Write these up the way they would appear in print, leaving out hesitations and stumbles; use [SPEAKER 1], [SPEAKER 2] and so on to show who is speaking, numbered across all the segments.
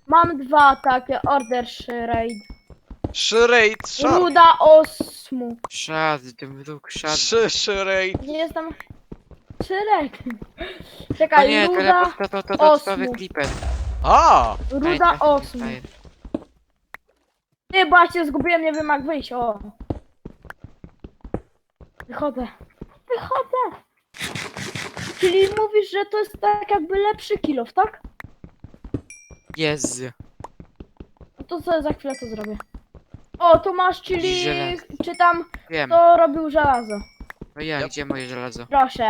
[SPEAKER 1] Mam dwa takie, order raid.
[SPEAKER 2] Shraid, szar.
[SPEAKER 1] Ruda osmu.
[SPEAKER 3] Szady, ten wróg, szady.
[SPEAKER 2] Shraid.
[SPEAKER 1] Nie jestem... Czyrek.
[SPEAKER 3] O
[SPEAKER 1] Czekaj,
[SPEAKER 3] nie,
[SPEAKER 1] ruda
[SPEAKER 3] to
[SPEAKER 1] osmu.
[SPEAKER 3] klipet.
[SPEAKER 2] A!
[SPEAKER 1] Ruda osmu. Ty, bo ja się zgubiłem, nie wiem jak wyjść, o. Wychodzę. Wychodzę. Czyli mówisz, że to jest tak jakby lepszy kilof, tak?
[SPEAKER 3] Jezu.
[SPEAKER 1] No to co za chwilę to zrobię. O, tu masz, czyli...
[SPEAKER 3] Żelazo.
[SPEAKER 1] Czy tam
[SPEAKER 3] Wiem.
[SPEAKER 1] to robił żelazo.
[SPEAKER 3] No ja,
[SPEAKER 2] Yep.
[SPEAKER 3] gdzie moje żelazo?
[SPEAKER 1] Proszę.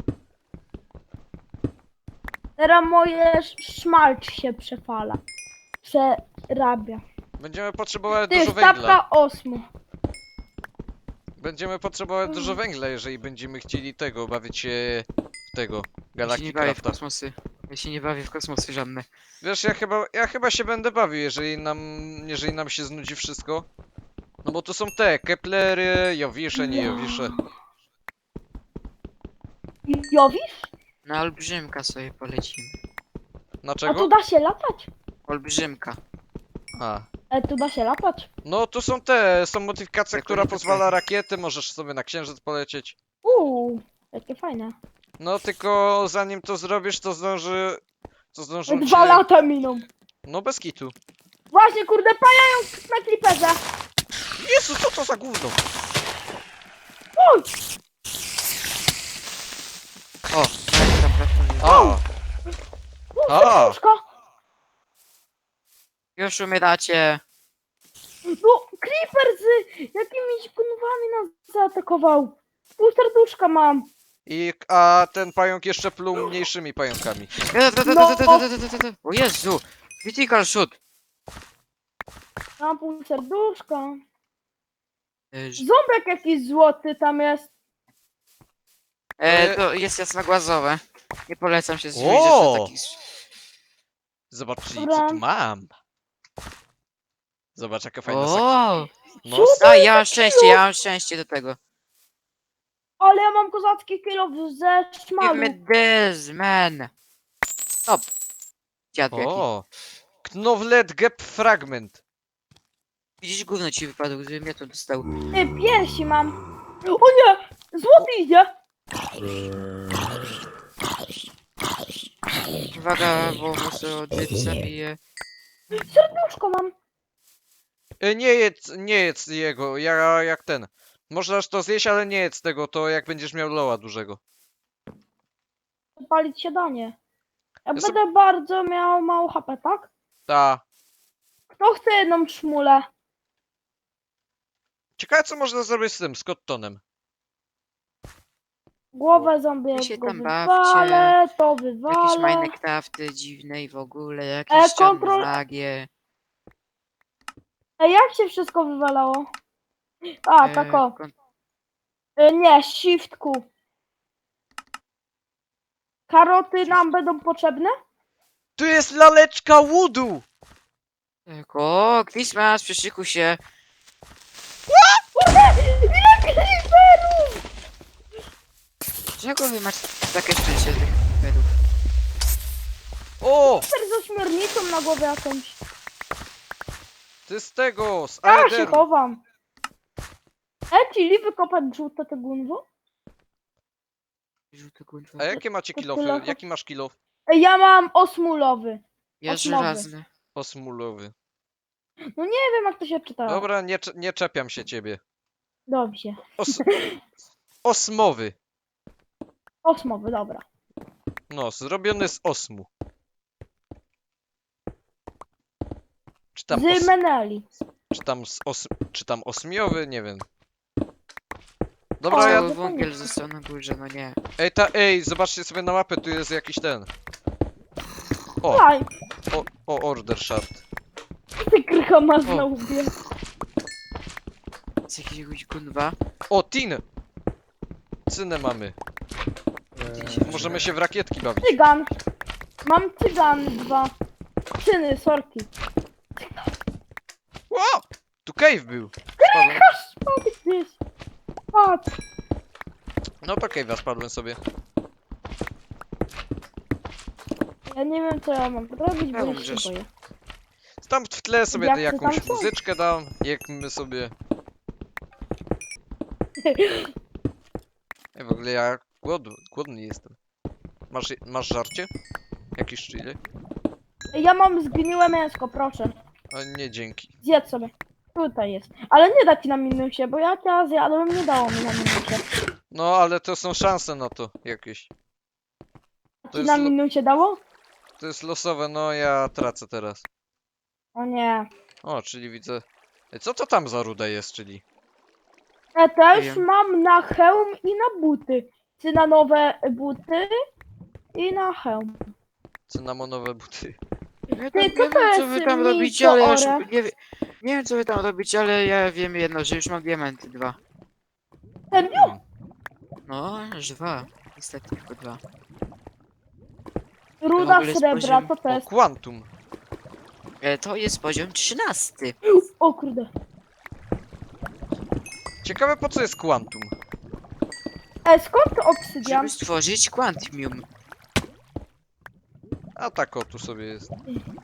[SPEAKER 1] Teraz moje szmalc się przefala. Przerabia.
[SPEAKER 2] Będziemy potrzebować
[SPEAKER 1] Ty,
[SPEAKER 2] dużo węgla.
[SPEAKER 1] stawka osmu.
[SPEAKER 2] Będziemy potrzebować dużo węgla, jeżeli będziemy chcieli tego, bawić się w tego,
[SPEAKER 3] Ja się nie
[SPEAKER 2] Galactic
[SPEAKER 3] bawię w
[SPEAKER 2] Crafta.
[SPEAKER 3] kosmosy. Ja się nie bawię w kosmosy żadne.
[SPEAKER 2] Wiesz, ja chyba się będę bawił, jeżeli nam się znudzi wszystko. No bo tu są te, Keplery, Jowisze, nie Jowisze.
[SPEAKER 1] Jowisz?
[SPEAKER 3] Na olbrzymka sobie polecimy.
[SPEAKER 1] A tu
[SPEAKER 2] Dlaczego?
[SPEAKER 1] da się latać?
[SPEAKER 3] Olbrzymka.
[SPEAKER 2] A.
[SPEAKER 1] Tu da się latać?
[SPEAKER 2] No tu są modyfikacja,
[SPEAKER 3] Jak
[SPEAKER 2] która
[SPEAKER 3] oni
[SPEAKER 2] pozwala
[SPEAKER 3] takie-
[SPEAKER 2] rakiety, możesz sobie na księżyc polecieć.
[SPEAKER 1] Jakie fajne.
[SPEAKER 2] No tylko zanim to zrobisz, to zdążą
[SPEAKER 1] 2
[SPEAKER 2] cię...
[SPEAKER 1] lata miną.
[SPEAKER 2] No bez kitu.
[SPEAKER 1] Właśnie, kurde, pajają na kliperze.
[SPEAKER 2] Jezu, co to za gówno?
[SPEAKER 1] Uj!
[SPEAKER 3] O, tam pracuję.
[SPEAKER 2] A! A!
[SPEAKER 1] Serduszko.
[SPEAKER 3] Już umieracie.
[SPEAKER 1] No, creeper z jakimiś kunwami nas zaatakował. Pół serduszka mam.
[SPEAKER 2] A ten pająk jeszcze pluł mniejszymi pająkami.
[SPEAKER 3] O Jezu! Critical shoot!
[SPEAKER 1] Mam pół serduszka. Ząbek jakiś złoty tam jest.
[SPEAKER 3] To jest jasnogłazowe. Nie polecam się zbliżyć
[SPEAKER 2] O!
[SPEAKER 3] do takich...
[SPEAKER 2] Zobaczcie,
[SPEAKER 1] Dobra.
[SPEAKER 2] co tu mam. Zobacz, jaka fajna sekcja.
[SPEAKER 3] O!
[SPEAKER 2] No,
[SPEAKER 1] Co?
[SPEAKER 3] A, ja mam szczęście do tego.
[SPEAKER 1] Ale ja mam kozacki kilof ze
[SPEAKER 3] Give
[SPEAKER 1] szmalu.
[SPEAKER 3] me this, man! Stop! Dziad jaki.
[SPEAKER 2] o! Knowlet Gap Fragment.
[SPEAKER 3] Widzisz, gówno ci wypadło, gdybym ja to dostał.
[SPEAKER 1] Ty, piersi mam. O nie! Złoty idzie!
[SPEAKER 3] Uwaga, bo muszę odbyć zabiję.
[SPEAKER 1] Serduszko mam.
[SPEAKER 2] Nie jedz jego, jak ten. Możesz to zjeść, ale nie jedz tego, to jak będziesz miał loa dużego.
[SPEAKER 1] Palić się da nie. Ja
[SPEAKER 2] Ja
[SPEAKER 1] będę bardzo miał mało HP, tak?
[SPEAKER 2] Ta.
[SPEAKER 1] Kto chce jedną szmulę?
[SPEAKER 2] Ciekawe, co można zrobić z tym, z Cottonem.
[SPEAKER 1] Głowę zombie
[SPEAKER 3] Wy się
[SPEAKER 1] go
[SPEAKER 3] tam bawcie.
[SPEAKER 1] wywalę, to
[SPEAKER 3] Jakieś
[SPEAKER 1] wywalę.
[SPEAKER 3] Minecrafty dziwne i w ogóle, jakieś
[SPEAKER 1] kontrol-
[SPEAKER 3] magie.
[SPEAKER 1] Jak się wszystko wywalało? A, tak o.
[SPEAKER 3] kon-
[SPEAKER 1] Nie, shift Q. Karoty nam będą potrzebne?
[SPEAKER 2] Tu jest laleczka Woodu!
[SPEAKER 3] Tak, o, Christmas, przyszykuj się.
[SPEAKER 1] Ile creeperów!
[SPEAKER 3] Czego wy macie takie szczęście z tych pedów?
[SPEAKER 2] O!
[SPEAKER 1] Creeper z ośmiornicą na głowie jakąś.
[SPEAKER 2] Ty z tego, z
[SPEAKER 1] Ja się
[SPEAKER 2] Aederu.
[SPEAKER 1] chowam. Czyli wykopać żółte te gunwo?
[SPEAKER 3] Żółty kurwa.
[SPEAKER 2] A jakie macie kilofy? Jaki masz kilof?
[SPEAKER 1] Ja mam osmulowy.
[SPEAKER 3] Ja
[SPEAKER 1] osmowy.
[SPEAKER 3] żelazny.
[SPEAKER 2] Osmulowy.
[SPEAKER 1] No nie wiem jak to się czyta.
[SPEAKER 2] Dobra, nie czepiam się ciebie.
[SPEAKER 1] Dobrze.
[SPEAKER 2] Osmowy.
[SPEAKER 1] Osmowy, dobra.
[SPEAKER 2] No, zrobiony z osmu.
[SPEAKER 1] Z Meneli.
[SPEAKER 2] Czy tam osmiowy? Nie wiem.
[SPEAKER 1] O,
[SPEAKER 2] Dobra, ja...
[SPEAKER 3] Cały wągiel został na górze, no nie.
[SPEAKER 2] Ej, zobaczcie sobie na mapę, tu jest jakiś ten. O,
[SPEAKER 1] Daj,
[SPEAKER 2] order shard.
[SPEAKER 1] ty krycha masz na łbie.
[SPEAKER 3] Z jakiegoś gunwa.
[SPEAKER 2] O, tin! Cynę mamy. Możemy się w rakietki bawić.
[SPEAKER 1] Cygan. Mam cygan 2. Cyny, sorki.
[SPEAKER 2] Ło! Tu cave był. Spadłem.
[SPEAKER 1] Spadł gdzieś. Patrz.
[SPEAKER 2] No to cave'a spadłem sobie.
[SPEAKER 1] Ja nie wiem co ja mam zrobić, bo
[SPEAKER 3] Ja
[SPEAKER 1] już
[SPEAKER 3] umrzesz.
[SPEAKER 1] się boję.
[SPEAKER 2] Tam w tle sobie
[SPEAKER 1] Jak to
[SPEAKER 2] jakąś
[SPEAKER 1] tam są?
[SPEAKER 2] muzyczkę dam, jak my sobie... Ej, w ogóle ja głodny jestem. Masz żarcie? Jakiś chili?
[SPEAKER 1] Ja mam zgniłe mięsko, proszę.
[SPEAKER 2] O nie, dzięki.
[SPEAKER 1] Zjedz sobie. Tutaj jest. Ale nie da ci na minusie, bo jak ja zjadłem, nie dało mi na minusie.
[SPEAKER 2] No, ale to są szanse na to jakieś. To
[SPEAKER 1] Ci
[SPEAKER 2] jest,
[SPEAKER 1] na minusie dało?
[SPEAKER 2] to jest losowe, no ja tracę teraz.
[SPEAKER 1] O nie.
[SPEAKER 2] O, czyli widzę... Ej, co to tam za ruda jest, czyli?
[SPEAKER 1] Ja też
[SPEAKER 3] wiem.
[SPEAKER 1] mam na hełm i na buty. Czy na nowe buty i na hełm.
[SPEAKER 2] Cynamonowe buty.
[SPEAKER 3] Ja
[SPEAKER 1] Ty,
[SPEAKER 3] tam,
[SPEAKER 1] co
[SPEAKER 3] nie
[SPEAKER 1] to
[SPEAKER 3] wiem, co
[SPEAKER 1] jest
[SPEAKER 3] wy tam robicie,
[SPEAKER 1] mięso
[SPEAKER 3] ale ja już
[SPEAKER 1] ore?
[SPEAKER 3] nie wiem, co wy tam robicie, ale ja wiem jedno, że już mam diamenty 2.
[SPEAKER 1] Serio?
[SPEAKER 3] No, już 2. Niestety tylko 2.
[SPEAKER 1] Ruda
[SPEAKER 3] ogóle jest
[SPEAKER 1] srebra,
[SPEAKER 3] poziom-
[SPEAKER 1] co to
[SPEAKER 2] O,
[SPEAKER 1] jest?
[SPEAKER 2] Quantum.
[SPEAKER 3] To jest poziom 13.
[SPEAKER 1] O kurde.
[SPEAKER 2] Ciekawe po co jest Quantum.
[SPEAKER 1] Skąd to obsydian?
[SPEAKER 3] Żeby stworzyć Quantium.
[SPEAKER 2] A tak o, tu sobie jest.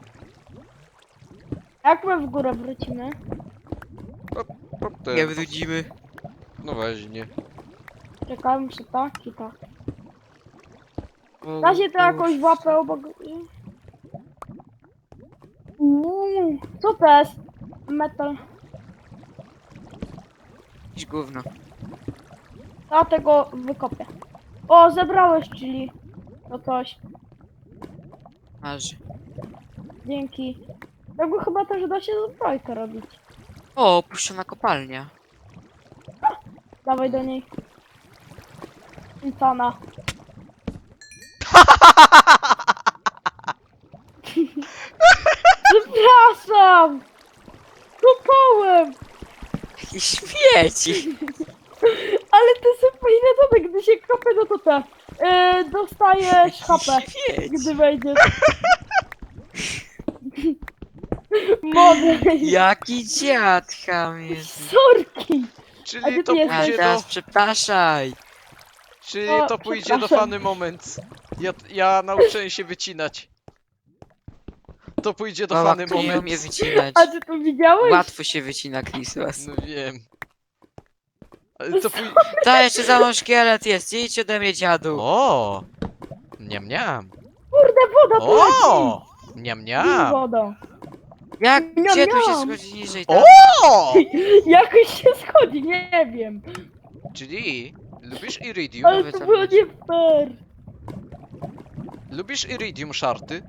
[SPEAKER 1] Jak my w górę wrócimy?
[SPEAKER 2] Potem.
[SPEAKER 3] Nie wrócimy.
[SPEAKER 2] No właśnie.
[SPEAKER 1] Czekałem, czy tak i tak.
[SPEAKER 3] O,
[SPEAKER 1] Da się to
[SPEAKER 3] o,
[SPEAKER 1] jakoś w łapę obok... Co to jest? Metal.
[SPEAKER 3] Jakieś gówno.
[SPEAKER 1] Ja tego wykopię. O, zebrałeś, czyli... To coś.
[SPEAKER 3] Marzy.
[SPEAKER 1] Dzięki. Tego chyba też da się zbrojkę robić.
[SPEAKER 3] O, opuszczona kopalnia.
[SPEAKER 1] Dawaj do niej. Insana. Przepraszam! Kopałem!
[SPEAKER 3] Jakiś śmieci.
[SPEAKER 1] Ale to jest fajne domy, gdy się kopie, no to te... dostajesz HP,
[SPEAKER 3] Śmieci.
[SPEAKER 1] gdy wejdziesz. Mody.
[SPEAKER 3] Jaki dziad ham jest.
[SPEAKER 1] Sorki! A
[SPEAKER 2] Czyli
[SPEAKER 1] gdzie
[SPEAKER 2] to
[SPEAKER 1] ty
[SPEAKER 3] A
[SPEAKER 1] jesteś?
[SPEAKER 2] pójdzie do...
[SPEAKER 3] teraz przepraszaj.
[SPEAKER 2] Czyli
[SPEAKER 1] O,
[SPEAKER 2] to pójdzie do
[SPEAKER 1] przepraszam.
[SPEAKER 2] funny moment. Ja nauczyłem się wycinać. To pójdzie do
[SPEAKER 3] Mała,
[SPEAKER 2] funny
[SPEAKER 3] kto nie
[SPEAKER 2] moment.
[SPEAKER 3] umie wycinać.
[SPEAKER 1] A ty to widziałeś?
[SPEAKER 3] Łatwo się wycina Christmas.
[SPEAKER 2] No wiem. Ale to pójdzie...
[SPEAKER 3] Ta jeszcze za mną szkielet jest. Idź ode mnie, dziadu.
[SPEAKER 2] O! Niam niam.
[SPEAKER 1] Kurde, woda tu leci!
[SPEAKER 2] O! Niam
[SPEAKER 1] Z
[SPEAKER 2] niam.
[SPEAKER 1] wodą.
[SPEAKER 3] Jak?
[SPEAKER 1] Miam,
[SPEAKER 3] Gdzie tu się
[SPEAKER 1] miam.
[SPEAKER 3] schodzi niżej? Tam?
[SPEAKER 2] O!
[SPEAKER 1] Jakoś się schodzi, nie wiem.
[SPEAKER 2] Czyli lubisz iridium?
[SPEAKER 1] Ale
[SPEAKER 3] Nowy
[SPEAKER 1] to
[SPEAKER 3] tam
[SPEAKER 1] było
[SPEAKER 3] będzie.
[SPEAKER 1] nie fair.
[SPEAKER 2] Lubisz iridium szarty?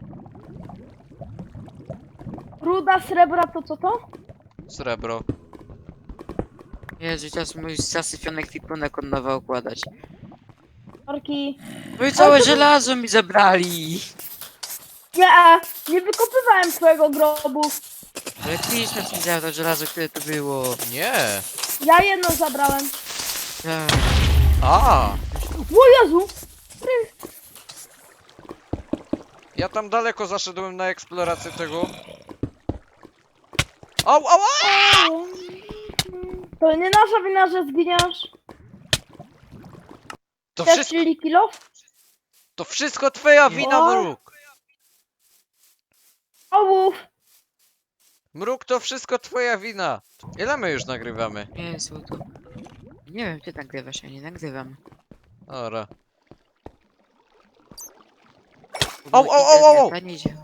[SPEAKER 1] Ruda srebra to co to?
[SPEAKER 2] Srebro.
[SPEAKER 3] Jezu, teraz mój zasypiony kwipunek od nowa układać.
[SPEAKER 1] Sorki.
[SPEAKER 3] No i całe żelazo mi zabrali.
[SPEAKER 1] Nie wykopywałem twojego grobu.
[SPEAKER 3] Ale Christmas mi zabrał to żelazo, które to było.
[SPEAKER 2] Nie.
[SPEAKER 1] Ja jedno zabrałem.
[SPEAKER 3] Tak.
[SPEAKER 2] A!
[SPEAKER 1] O Jezu!
[SPEAKER 2] Ja tam daleko zaszedłem na eksplorację tego. Au, au, au!
[SPEAKER 1] To nie nasza wina, że zginiesz.
[SPEAKER 2] To
[SPEAKER 1] Chcesz
[SPEAKER 2] wszystko,
[SPEAKER 1] chili kilo?
[SPEAKER 2] to wszystko twoja wina,
[SPEAKER 1] O.
[SPEAKER 2] Mruk.
[SPEAKER 1] Ołów!
[SPEAKER 2] Mruk, to wszystko twoja wina. Ile my już nagrywamy?
[SPEAKER 3] Jezu, to... Nie wiem, ty nagrywasz, ja nie nagrywam.
[SPEAKER 2] Ora.
[SPEAKER 3] Bo
[SPEAKER 2] Au,
[SPEAKER 3] mój
[SPEAKER 2] au, au, au, au.
[SPEAKER 3] internet nie działa.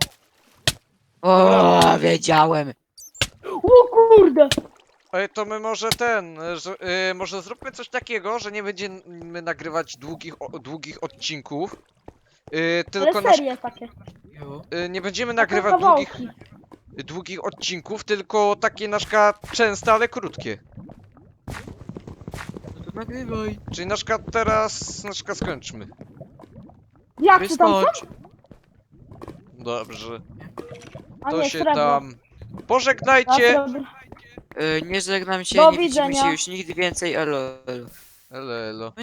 [SPEAKER 3] O, wiedziałem.
[SPEAKER 1] O kurde!
[SPEAKER 2] Ej, to my może może zróbmy coś takiego, że nie będziemy nagrywać długich odcinków. Tylko
[SPEAKER 1] Ale serie takie.
[SPEAKER 3] Jo.
[SPEAKER 2] nie będziemy
[SPEAKER 1] Takie
[SPEAKER 2] nagrywać
[SPEAKER 1] kawałki.
[SPEAKER 2] długich odcinków, tylko takie na przykład częste, ale krótkie.
[SPEAKER 3] No to nagrywaj.
[SPEAKER 2] Czyli na przykład teraz, na przykład skończmy.
[SPEAKER 1] Jak ty tam są?
[SPEAKER 3] Wystarczy.
[SPEAKER 2] Dobrze.
[SPEAKER 1] A
[SPEAKER 2] To
[SPEAKER 1] nie,
[SPEAKER 2] się
[SPEAKER 1] srebro.
[SPEAKER 2] tam...
[SPEAKER 1] A,
[SPEAKER 2] Pożegnajcie!
[SPEAKER 1] srebro.
[SPEAKER 3] Nie żegnam się,
[SPEAKER 1] Do
[SPEAKER 3] nie widzimy
[SPEAKER 1] widzenia.
[SPEAKER 3] się już nigdy więcej, elo.
[SPEAKER 2] Elo, elo.